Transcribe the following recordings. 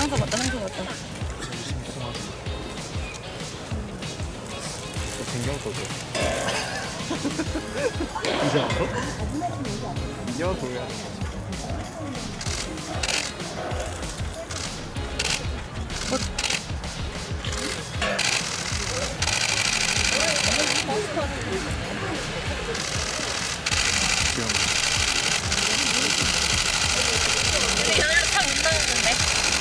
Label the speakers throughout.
Speaker 1: 상처 맞다.
Speaker 2: 댕경 써줘. 이제 알아? 이제 도야.
Speaker 1: 잘못 나오는데.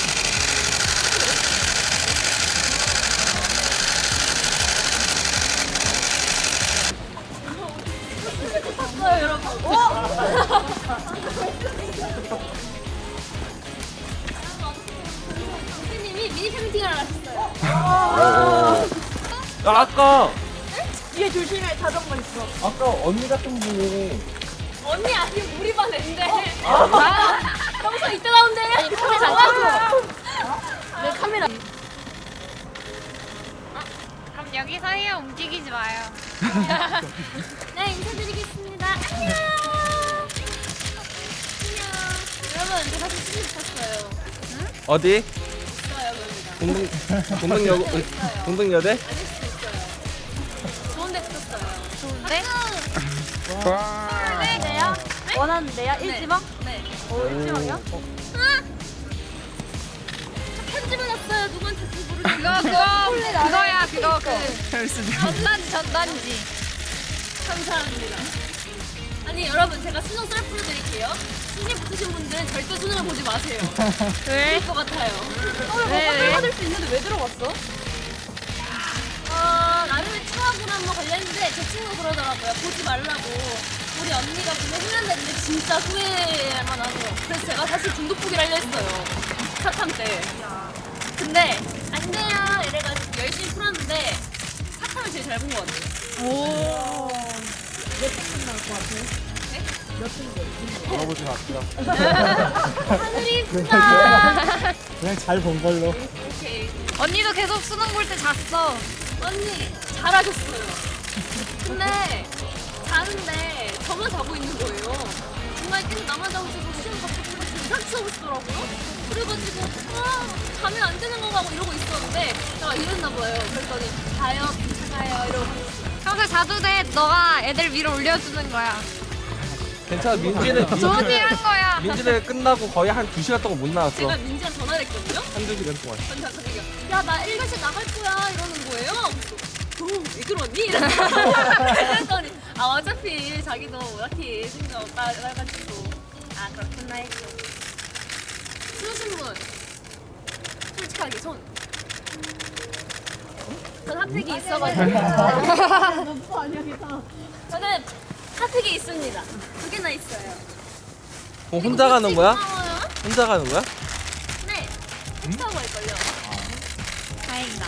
Speaker 3: 선생님이 미니 팬팅을 하셨어요.
Speaker 2: 아까
Speaker 3: 뒤에 조심해, 자전거 있어.
Speaker 2: 아까 언니 같은 분이
Speaker 3: 언니 아니면 우리 반 앤데. 평소 이때 나온대. 아니, 카메라 잠깐. 내 카메라.
Speaker 1: 그럼 여기서 해요. 움직이지 마요.
Speaker 3: 네, 인사드리겠습니다. 안녕. 안녕. 여러분, 저 사진 찍고 싶었어요.
Speaker 2: 어디?
Speaker 3: 있어요, 여기다.
Speaker 2: 동등여대?
Speaker 3: 아닐 수도 있어요. 좋은데 찍었어요.
Speaker 1: 좋은데?
Speaker 3: 네요?
Speaker 1: 원하는데요? 일지망?
Speaker 3: 네.
Speaker 1: 일지망이요?
Speaker 3: 편집을 했어요. 누구한테 모르겠어요.
Speaker 1: 그거야. 그거 전단지.
Speaker 3: 감사합니다. 아니 여러분 제가 수능 셀프를 드릴게요. 수능 붙으신 분들은 절대 수능을 보지 마세요.
Speaker 1: 왜?
Speaker 3: 그럴 것 같아요.
Speaker 1: 왜?
Speaker 3: 받을 수 있는데 왜 들어갔어? 나름의 추억으로 한번 걸렸는데 제 친구가 그러더라고요. 보지 말라고. 우리 언니가 보면 후회한다는데 진짜 후회만 하네요. 그래서 제가 사실 중독보기를 하려 했어요. 사탐 때. 근데 안 돼요 이래가지고 열심히 풀었는데 사탐을 제일 잘 본 것 같아요.
Speaker 1: 오.
Speaker 2: 알아보진 않더라.
Speaker 3: 하늘이 이쁘다.
Speaker 2: 그냥 잘 본 걸로.
Speaker 3: 오케이.
Speaker 1: 언니도 계속 수능 볼 때 잤어.
Speaker 3: 언니 잘하셨어요. 근데 자는데 저만 자고 있는 거예요. 중간에 계속 나만 자고 있어서 시험 갑자기 이상하게 자고 있더라고요. 그래가지고 자면 안 되는 건가 하고 이러고 있었는데 제가 이랬나 봐요. 그랬더니 자요 괜찮아요 이러고
Speaker 1: 평소에 자도 돼. 너가 애들 위로 올려주는 거야.
Speaker 2: 괜찮아. 민지는
Speaker 1: 좋은 일 한 거야.
Speaker 2: 민지는 끝나고 거의 한 2시간 동안 못 나왔어.
Speaker 3: 제가 민지랑 전화를 했거든요.
Speaker 2: 한두 시간 동안.
Speaker 3: 전자가 야나 1교시 나갈 거야 이러는 거예요. 왜 그러니? 그랬더니 어차피 자기도 딱히 생각 없다 해가지고 그렇구나 했죠. 수신 분 솔직하게 전 핫팩이 있어가지고 저는 핫팩이 있습니다. 2개나 있어요.
Speaker 2: 혼자 가는 거야?
Speaker 3: 고마워요.
Speaker 2: 혼자 가는 거야?
Speaker 3: 네. 혼자 갈걸요.
Speaker 1: 다행이다.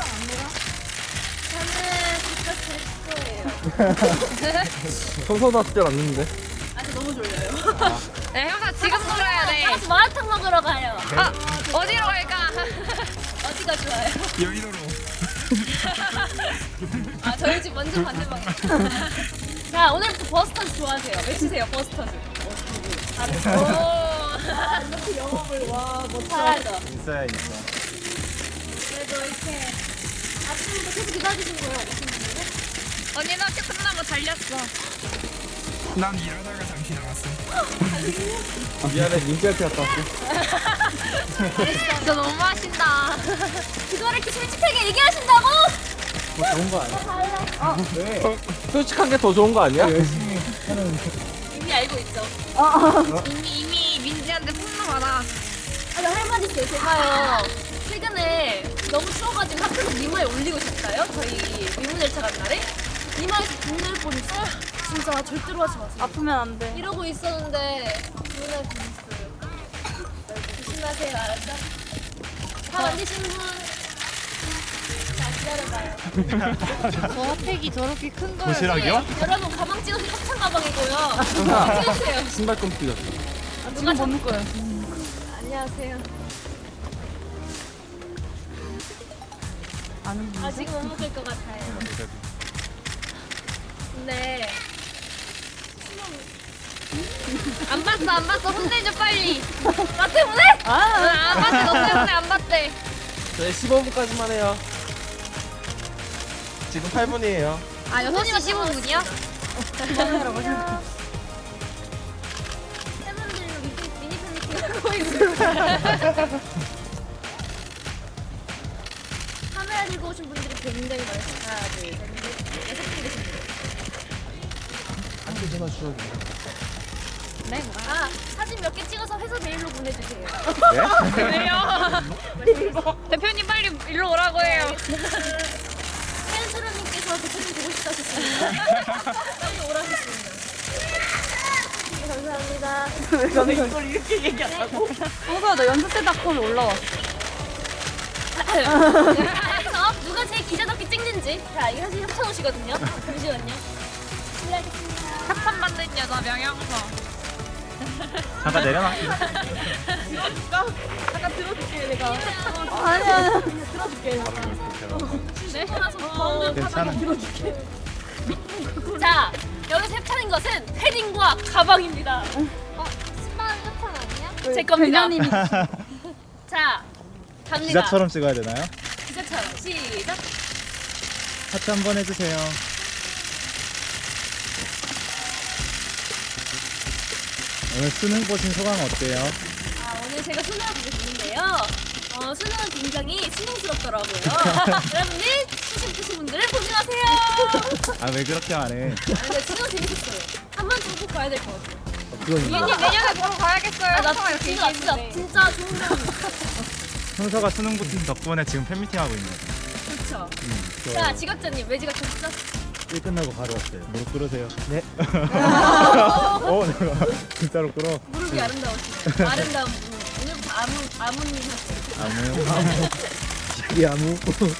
Speaker 3: 저는 진짜 제 거예요.
Speaker 2: 청소나 때 왔는데.
Speaker 3: 아직 너무 졸려요.
Speaker 1: 네, 형사 지금 놀아야 돼.
Speaker 3: 가서 마라탕 먹으러 가요.
Speaker 1: 어디로 갈까?
Speaker 3: 어디가 좋아요?
Speaker 2: 여의도로.
Speaker 3: 저희 집 완전 반대방이에요. 자, 오늘부터 버스터즈 좋아하세요. 외치세요, 버스터즈. 잘했어. 이렇게 영업을, 잘하죠.
Speaker 2: 있어야 있어.
Speaker 3: 그래도 이렇게 아침부터 계속 기다리신 거예요, 오신 분들은?
Speaker 1: 언니는 학교 끝나고 달렸어.
Speaker 4: 난 일하다가 잠시 나갔어.
Speaker 2: 미안해. 민지한테 갔다 왔어.
Speaker 1: 진짜 너무 하신다.
Speaker 3: 그거를 이렇게 솔직하게 얘기하신다고?
Speaker 2: 뭐 좋은 거 아니야? 왜? 솔직한 게 더 좋은 거 아니야?
Speaker 3: 이미 알고 있죠.
Speaker 1: 이미 민지한테 폭로 받아.
Speaker 3: 나 할 말 있어요. 제가요, 최근에 너무 추워가지고 학교에서 미모에 올리고 싶다요? 저희 미모 열차 간 날에? 이마에서 눈을 뻔했어요. 진짜 절대로 하지 마세요.
Speaker 1: 아프면 안 돼.
Speaker 3: 이러고 있었는데 눈을 뻔했어요. 조심하세요, 알았죠? 다 만드시는 분. 자, 기다려봐요.
Speaker 1: 저 핫팩이 저렇게 큰 거예요.
Speaker 4: 도시락이요?
Speaker 3: 여러분, 가방 찍어서 협찬 가방이고요. 찍으세요.
Speaker 2: 신발끈 삐졌어.
Speaker 3: 누가 벗는 거예요? 안녕하세요. 아직 못 먹을 것 같아요. 근데 안 봤어 혼내줘 빨리. 나 때문에?
Speaker 1: 안 봤대. 너 때문에 안 봤대.
Speaker 2: 저희 15분까지만 해요. 지금 8분이에요.
Speaker 1: 아 6시 15분이요?
Speaker 3: 팬분들이랑 미니 팬미팅 하고 있어요. 카메라 들고 오신 분들이 굉장히 많으세요. 하나, 둘, 셋, 넷, 6분 계십니다.
Speaker 2: 한개 전화 주셔도
Speaker 1: 네 뭐야?
Speaker 3: 아, 사진 몇 개 찍어서 회사 메일로 보내주세요.
Speaker 1: 왜요? 대표님 빨리 일로 오라고 해요.
Speaker 3: 팬수로님께서 대표님 보고 싶다 하셨습니다. 빨리 오라셨습니다. 감사합니다.
Speaker 5: 너는 이걸 이렇게 얘기한다고? 홍서야 너 연습생닷컴에 올라왔어.
Speaker 3: 그래서 누가 제일 기자답게 찍는지. 자, 이거 사실 협찬오시거든요. 잠시만요. 실례하겠습니다.
Speaker 1: 협찬 받는 여자 명령서.
Speaker 6: 잠깐 내려놔.
Speaker 5: 잠깐 들어줄게 내가.
Speaker 3: 아니야.
Speaker 5: 들어줄게.
Speaker 3: 네? 어,
Speaker 6: 괜찮아.
Speaker 3: 자, 여기서 협찬인 것은 패딩과 가방입니다.
Speaker 1: 신발 협찬 아니야?
Speaker 3: 제 겁니다.
Speaker 5: 배냐님이
Speaker 3: 자, 갑니다.
Speaker 6: 기자처럼 찍어야 되나요?
Speaker 3: 기자처럼. 시작.
Speaker 6: 하트 한번 해주세요. 오늘 수능 보신 소감 어때요?
Speaker 3: 아, 오늘 제가 수능을 보고 있는데요. 수능은 굉장히 수능스럽더라고요. 여러분들, 수능 보신 분들은 고생하세요.
Speaker 6: 아 왜 그렇게 안 해?
Speaker 3: 아, 근데 수능 재밌었어요. 한 번쯤 꼭 봐야 될 것 같아요.
Speaker 2: 그건
Speaker 1: 유님 내년에 보러 가야겠어요.
Speaker 3: 아, 나
Speaker 1: 항상 이렇게
Speaker 3: 진짜
Speaker 1: 얘기했는데.
Speaker 3: 좋은 배우.
Speaker 6: 형서가 수능 보신 덕분에 지금 팬미팅 하고 있네요.
Speaker 3: 그렇죠. 자, 지각자님, 왜 지각하셨죠?
Speaker 6: 일 끝나고 바로 왔어요. 무릎 꿇으세요. 네. 내가 진짜로 꿇어.
Speaker 3: 무릎이 아름다우시네요. 아름다운 분. 오늘부터 아무님 하시죠.
Speaker 6: 아무.
Speaker 2: 이 아무.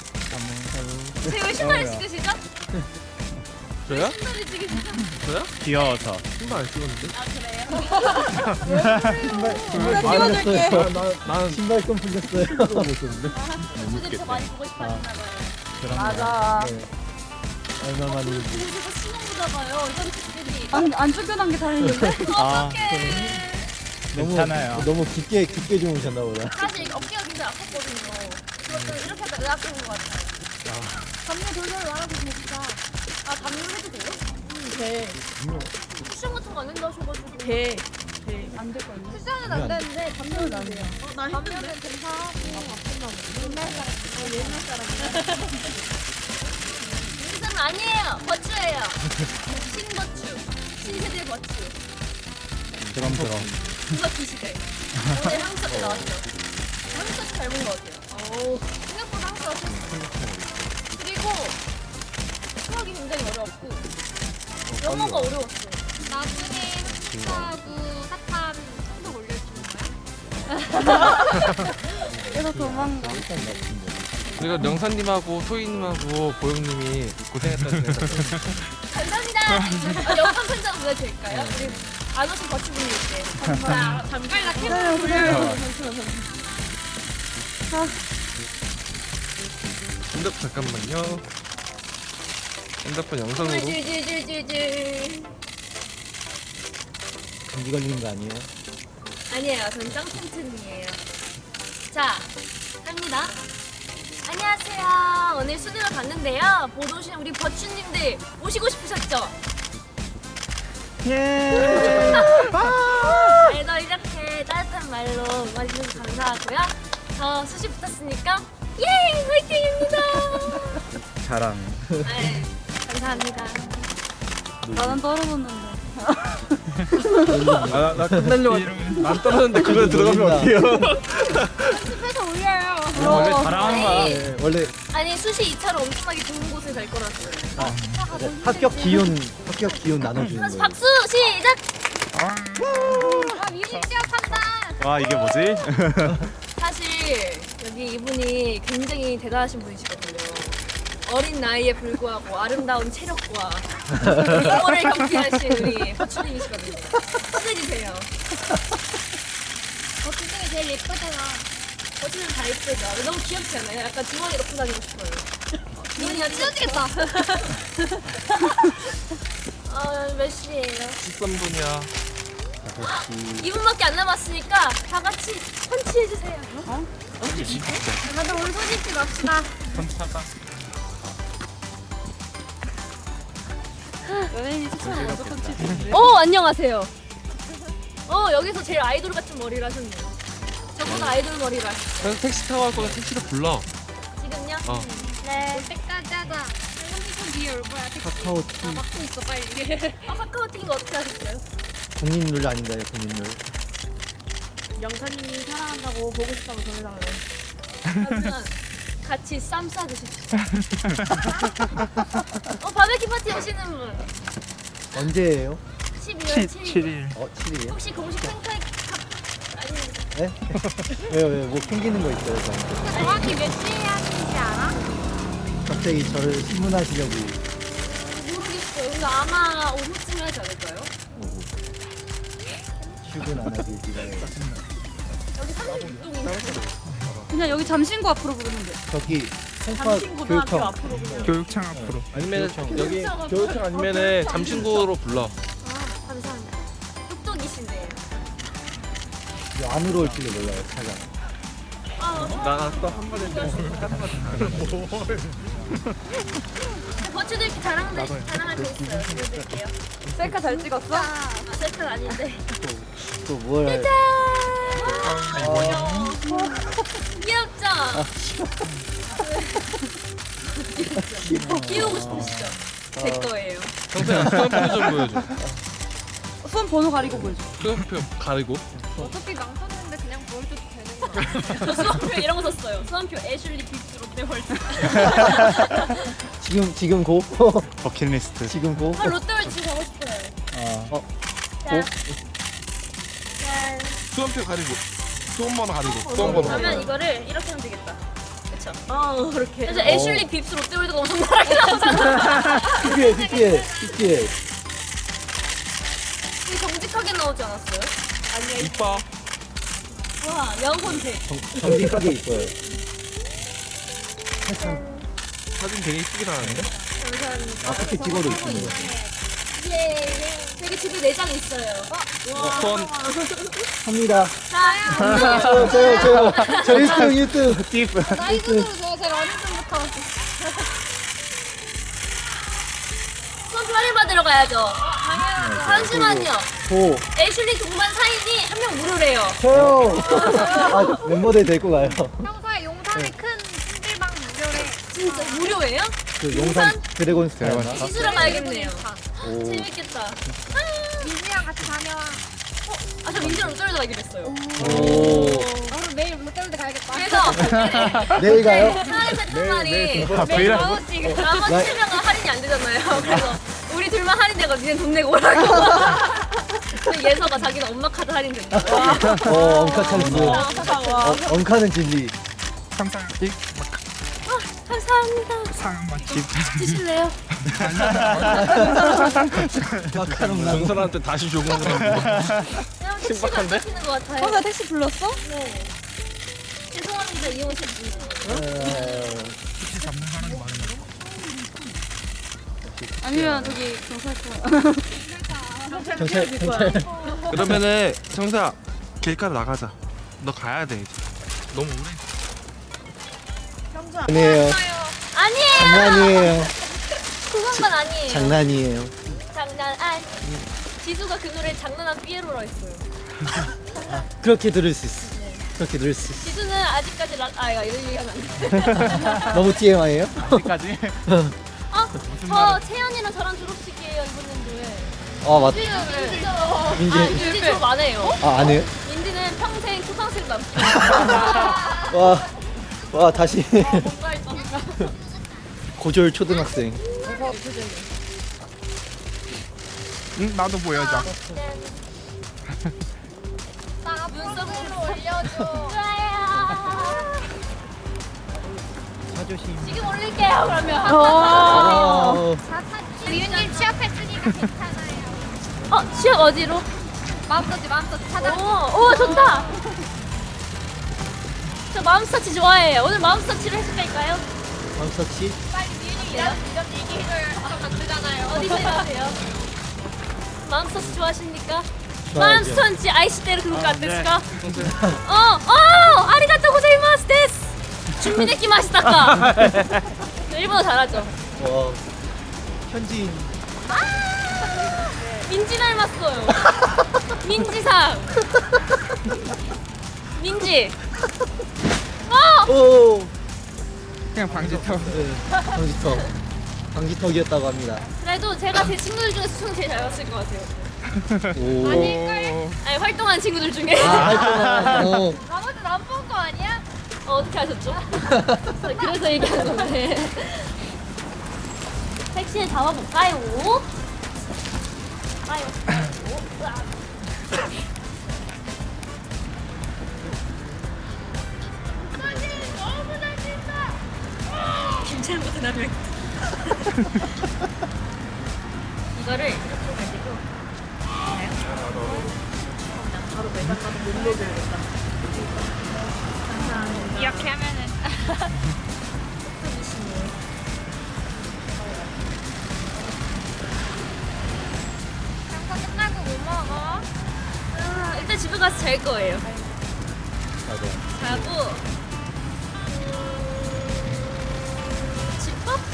Speaker 3: 왜 신발을 찍으시죠?
Speaker 2: 저요?
Speaker 3: 신발을 찍으시죠?
Speaker 2: 저요?
Speaker 6: 귀여워서.
Speaker 2: 신발 안 찍었는데?
Speaker 3: 아, 그래요?
Speaker 5: 찍어줄게.
Speaker 2: 난
Speaker 6: 신발끈 풀렸어요. 못 썼는데.
Speaker 3: 저들이 더 많이 보고 싶어 하시나 봐요.
Speaker 5: 맞아.
Speaker 6: 얼마 만에.
Speaker 3: 그래서 신경 보다가요. 이런 분들이
Speaker 5: 안 쫓겨난 게 다행인데.
Speaker 3: 어떡해.
Speaker 6: 괜찮아요.
Speaker 7: 너무 깊게 주무셨나 보다.
Speaker 3: 사실 어깨가 굉장히 아팠거든요. 그것도 이렇게 하다 의학한 것 같아요. 담요 돌돌 말아주시면 진짜. 아, 담요 해도 돼요?
Speaker 5: 돼.
Speaker 3: 쿠션 같은 거 안 된다 하셔가지고.
Speaker 5: 돼. 돼. 안 될 거 아니야?
Speaker 1: 쿠션은 안 되는데
Speaker 5: 담요는 안 돼요.
Speaker 3: 나 담요는 괜찮아. 옛날 사람 아니에요. 버추예요. 신버추. 신세대 버추.
Speaker 6: 그럼.
Speaker 3: 누가 기시대. 오늘 한국 때 나왔죠. 한국 때 닮은 것 같아요. 생각보다 한국 때 그리고 수학이 굉장히 어려웠고 영어가 어려웠어요.
Speaker 1: 나중에 숙소하고 사탕 성적 올려주는 거야?
Speaker 5: 그래서 도망가.
Speaker 2: 그리고 명사님하고 소희님하고 보영님이 고생했다는
Speaker 3: 감사합니다. 영상 편지 보내드릴까요? 우리 안 오신 버추분들께.
Speaker 1: 자, 잠깐 나 캠era 돌려요.
Speaker 2: 핸드폰 잠깐만요. 핸드폰 영상으로.
Speaker 3: 줄줄줄줄줄.
Speaker 7: 감기 걸리는 거 아니에요?
Speaker 3: 아니에요. 전 짱튼튼이에요. 자, 합니다. 안녕하세요. 오늘 수능을 봤는데요. 보러 오신 우리 버추님들 오시고 싶으셨죠? 그래도 이렇게 따뜻한 말로 응원해주셔서 감사하고요. 저 수시 붙었으니까 예! 화이팅입니다!
Speaker 6: 자랑.
Speaker 3: 네, 감사합니다.
Speaker 5: 나는 떨어졌는데.
Speaker 2: 나 끝내려고 안 떨어졌는데 그걸 들어가면 어떡해요?
Speaker 1: 연습해서 올려요.
Speaker 6: 원래 자랑하는 거야.
Speaker 3: 아니,
Speaker 7: 네, 원래
Speaker 3: 아니 수시 2차로 엄청나게 좋은 곳을 갈 거라서요.
Speaker 7: 합격 기운 나눠주는
Speaker 3: 다시
Speaker 7: 거예요.
Speaker 3: 박수 시작!
Speaker 1: 아 미리 시작한다.
Speaker 6: 와 이게 뭐지?
Speaker 3: 사실 여기 이분이 굉장히 대단하신 분이시거든요. 어린 나이에 불구하고 아름다운 체력과 영어를 경기하신 우리 버추님이시거든요. 축하해주세요.
Speaker 1: 그 중에 제일 예쁘잖아.
Speaker 3: 버추님 다 예쁘죠? 너무 귀엽지 않아요? 약간 주머니 넣고 다니고 싶어요.
Speaker 1: 이거 찢어지겠다.
Speaker 3: 몇 시예요?
Speaker 2: 13분이야.
Speaker 3: 2분밖에 안 남았으니까 다 같이 펀치
Speaker 1: 다들 온소짓지 맙시다.
Speaker 5: 연예인이 추천을 먼저 펀치지.
Speaker 3: 안녕하세요. 여기서 제일 아이돌 같은 머리를 하셨네요. 저보다 아이돌 머리를 하셨어요.
Speaker 2: 그래서 택시 타고 갈 거면 택시를 불러.
Speaker 3: 지금요?
Speaker 1: 네. 올 때까지 하자. 30분 뒤에 올 거야. 택시.
Speaker 7: 카카오티
Speaker 1: 막고 있어 빨리.
Speaker 3: 카카오팅 이거 어떻게 하셨어요?
Speaker 7: 국민룰 아닌가요? 국민룰.
Speaker 5: 영사님이 사랑한다고 보고 싶다고 전해달래요.
Speaker 3: 그러면 같이 쌈 싸드십시오. 바베큐 파티 오시는 분.
Speaker 7: 언제예요?
Speaker 3: 12월 7일.
Speaker 7: 7일이요?
Speaker 3: 혹시 공식 팬카이 아니
Speaker 7: 네? 왜요? 뭐 캥기는 거 있어요? 저한테?
Speaker 1: 정확히 몇 시에 하는지 알아?
Speaker 7: 갑자기 저를 신문하시려고.
Speaker 3: 모르겠어요. 근데 아마 오후쯤에 하지 않을까요?
Speaker 7: 출근 안 하길 기다려요.
Speaker 3: 여기 36동인데.
Speaker 5: 그냥 여기 잠신구 앞으로 부르면 돼.
Speaker 7: 저기 송파
Speaker 5: 잠신고등학교
Speaker 7: 교육청.
Speaker 5: 앞으로 부르면
Speaker 4: 교육청 앞으로.
Speaker 2: 아니면 여기 교육청 아니면은 잠신구로 불러.
Speaker 3: 감사합니다. 똑똑이신데요.
Speaker 7: 이 안으로 올지도 몰라요, 차가.
Speaker 2: 나 아까 한 번 했는데.
Speaker 3: 버추도 이렇게 자랑할 때 있어요. 보여드릴게요.
Speaker 5: 셀카 잘 찍었어?
Speaker 3: 셀카는 아닌데.
Speaker 7: 또 뭘 할?
Speaker 3: 귀엽죠? 귀여우고 싶으시죠? 제 거예요.
Speaker 2: 정태야 수험표 좀 보여줘.
Speaker 5: 수험 번호 가리고 보여줘.
Speaker 2: 수험표 가리고.
Speaker 1: 어차피 망쳤는데 그냥 보여줘도 되는 거야.
Speaker 3: 저 수험표 이런 거 썼어요. 수험표 애슐리 빅스 롯데월드.
Speaker 7: 지금 고?
Speaker 6: 버킷리스트.
Speaker 7: 지금 고?
Speaker 3: 롯데월드 지금 가고 싶어요.
Speaker 7: 고?
Speaker 3: 짠.
Speaker 2: 수험표 가리고. 수험번호 가리고. 수험번호.
Speaker 3: 그러면 이거를 이렇게 하면 되겠다. 그쵸? 그렇게. 그래서 애슐리 빅스 롯데월드가 엄청 나게 나오잖아.
Speaker 7: PPL.
Speaker 3: 되게 정직하게 나오지 않았어요? 아니야.
Speaker 2: 이뻐.
Speaker 3: 와, 영혼색.
Speaker 7: 정직하게 있어요.
Speaker 2: 사진 되게 이쁘게 나왔는데?
Speaker 3: 감사합니다.
Speaker 7: 어떻게 찍어도 있습니다.
Speaker 3: 예. 되게 집에 내장 있어요. 와.
Speaker 2: 손.
Speaker 7: 합니다.
Speaker 3: 자,
Speaker 7: 저 1등.
Speaker 1: 나이 순으로 제가 제일 어릴 때부터.
Speaker 3: 수험표 할인받으러 가야죠. 잠시만요.
Speaker 7: 고.
Speaker 3: 애슐리 동반 사인이 한 명 무료래요.
Speaker 7: 저요. 아, 멤버들 데리고 가요.
Speaker 1: 평소에 용산에 큰 찜질방 무료래.
Speaker 3: 진짜 무료예요?
Speaker 7: 그 용산 드래곤 스타였나?
Speaker 3: 시술러 가야겠네요.
Speaker 7: 오.
Speaker 3: 재밌겠다.
Speaker 1: 민지랑 같이 다녀와.
Speaker 3: 저 민지랑 롯데월드 가기로 했어요.
Speaker 7: 오.
Speaker 1: 그럼 내일 롯데월드 가야겠다.
Speaker 3: 그래서
Speaker 7: 내일 가요?
Speaker 3: 사랑의 세트 날이
Speaker 6: 브이라-
Speaker 3: 나머지 3명은 할인이 안 되잖아요. 그래서 우리 둘만 할인되고 니네 돈 내고 오라고. 근데 예서가 자기는 엄마 카드 할인된다.
Speaker 7: 엉카 찬스. 엉카는 진리.
Speaker 4: 상상
Speaker 3: 감사합니다.
Speaker 4: 상황 맛집.
Speaker 3: 드실래요?
Speaker 7: 마카롱 나.
Speaker 2: 전설한테 다시 조공을
Speaker 3: 신박한데? 것 같아요.
Speaker 5: 형사 택시 불렀어?
Speaker 3: 네. 죄송합니다 이용실 분.
Speaker 4: 혹시 잡는 사람이 많은가?
Speaker 5: 아니면 저기 경찰서.
Speaker 7: 경찰.
Speaker 2: 그러면은 정태야 길가로 나가자. 너 가야 돼 이제. 너무 오래.
Speaker 7: 아니에요.
Speaker 3: 아니에요.
Speaker 7: 장난이에요.
Speaker 3: 그건 아니에요.
Speaker 7: 장난이에요.
Speaker 3: 장난 아니. 지수가 그 노래 장난한 삐에로라 했어요.
Speaker 7: 그렇게 들을 수 있어. 그렇게 들을 수 있어.
Speaker 3: 지수는 아직까지 이거 이런 얘기하면 안 돼.
Speaker 7: 너무 TMI예요?
Speaker 6: 어디까지?
Speaker 3: 저 채연이랑 저랑 졸업식이에요 이번년도에.
Speaker 7: 맞.
Speaker 3: 민지 졸업 안 해요.
Speaker 7: 안 해요?
Speaker 3: 민지는 평생 초등학생 남.
Speaker 7: 와, 다시.
Speaker 3: 뭔가 했던.
Speaker 7: 고졸 초등학생.
Speaker 4: 응, 나도 보여줘.
Speaker 1: 나 눈썹으로 올려줘.
Speaker 3: 좋아요.
Speaker 7: 사조심.
Speaker 3: 지금 올릴게요 그러면.
Speaker 1: 리윤님 취업했으니까 괜찮아요.
Speaker 3: 취업 어디로?
Speaker 1: 마음껏지 찾아.
Speaker 3: 오 좋다. 저 마음스터치 좋아해요. 오늘 마음스터치를 해줄까요?
Speaker 7: 황석씨?
Speaker 1: 빨리 리윤이 이런 얘기를 하면 안 되잖아요.
Speaker 3: 어디서 일하세요? 마음스터치 좋아하십니까?
Speaker 7: 좋아하죠.
Speaker 3: 마음스터치 아이시대로 그거 안 됐을까? 아리가또 데스. 준비됐기 마시다까. 일본어 잘하죠.
Speaker 7: 와 현지인
Speaker 3: 민지 닮았어요. 민지상. 민지.
Speaker 7: 오
Speaker 4: 그냥 방지턱.
Speaker 7: 네, 방지턱이었다고 합니다.
Speaker 3: 그래도 제가 제 친구들 중에서 수능 제일 잘 봤을 것 같아요.
Speaker 7: 오
Speaker 3: 아니 활동한 친구들 중에.
Speaker 7: 하여튼
Speaker 1: 나머지 나쁜 거 아니야?
Speaker 3: 어떻게 하셨죠? 그래서 얘기하는 건데. 택시를 잡아볼까요? 가요. 김찬보다 나를. 이거를 이렇게 가지고. 바로 매장 가서 못 먹여야겠다.
Speaker 1: 이렇게 하면은 장사 끝나고 뭐 먹어?
Speaker 3: 일단 집에 가서 잘 거예요.
Speaker 7: 맞아.
Speaker 3: 자고 집밥?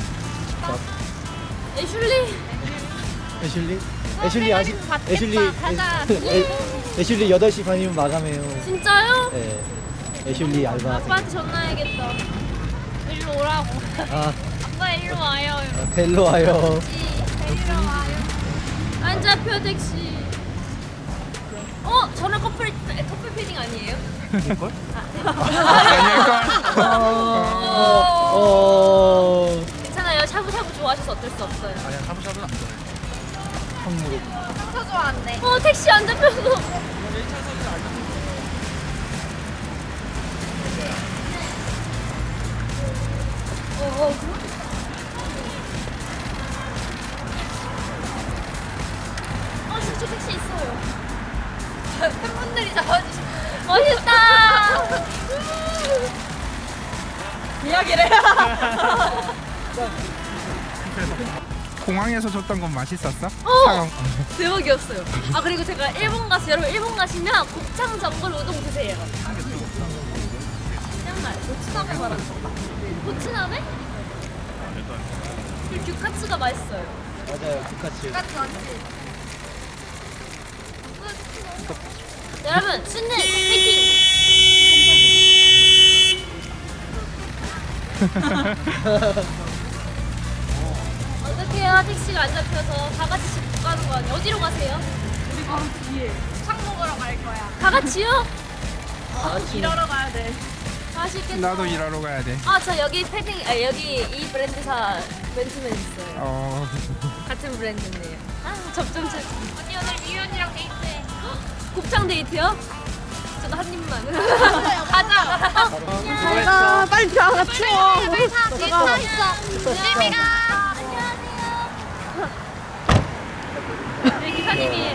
Speaker 3: 애슐리?
Speaker 7: 애슐리? 애슐리 아시
Speaker 1: 받겠다.
Speaker 7: 애슐리
Speaker 1: 가자.
Speaker 7: 애슐리 8시 반이면 마감해요.
Speaker 3: 진짜요?
Speaker 7: 네. 애슐리 알바.
Speaker 3: 아빠한테 전화해야겠다.
Speaker 1: 일로 오라고.
Speaker 7: 아
Speaker 1: 아빠 일로 와요.
Speaker 7: 델로 와요.
Speaker 1: 데리러 와요.
Speaker 3: 안 잡혀 택시. 저는 커플 패딩 아니에요?
Speaker 2: 이걸?
Speaker 3: 괜찮아요. 샤브샤브 좋아하셔서 어쩔 수 없어요.
Speaker 2: 아니야 샤브샤브는 안 좋아해.
Speaker 7: 한무로.
Speaker 1: 상처 좋아한대.
Speaker 3: 택시 안 잡혀서. 진짜 택시 있어요.
Speaker 1: 팬분들이 잡아주시.
Speaker 3: 멋있다.
Speaker 5: 이야기를.
Speaker 4: 공항에서 줬던 건 맛있었어?
Speaker 3: 대박이었어요. 그리고 제가 일본 가서 여러분 일본 가시면 곱창 전골 우동 드세요. 정말 고추나베 말하는 거. 고추나베? 그리고 규카츠가 맛있어요.
Speaker 7: 맞아요. 피카츄.
Speaker 3: 여러분 순례 파이팅! 어떡해요 택시가 안 잡혀서 다 같이 집 못 가는 거 아니에요? 어디로 가세요?
Speaker 5: 우리 바로 뒤에.
Speaker 1: 창 먹으러 갈 거야.
Speaker 3: 다 같이요?
Speaker 5: 일하러 가야 돼.
Speaker 3: 맛있겠다.
Speaker 4: 나도 일하러 가야 돼.
Speaker 3: 저 여기 패딩 여기 이 브랜드사 맨투맨 있어요. 같은 브랜드인데요. 접점 찾기.
Speaker 1: 언니 오늘 미연이랑 데이트해.
Speaker 3: 곱창 데이트요? 저도 한 입만.
Speaker 1: 가자.
Speaker 5: 가 빨리 가 추워.
Speaker 1: 빨리 타. 뒤에 타 있어. 조심히 가.
Speaker 3: 네, 기사님이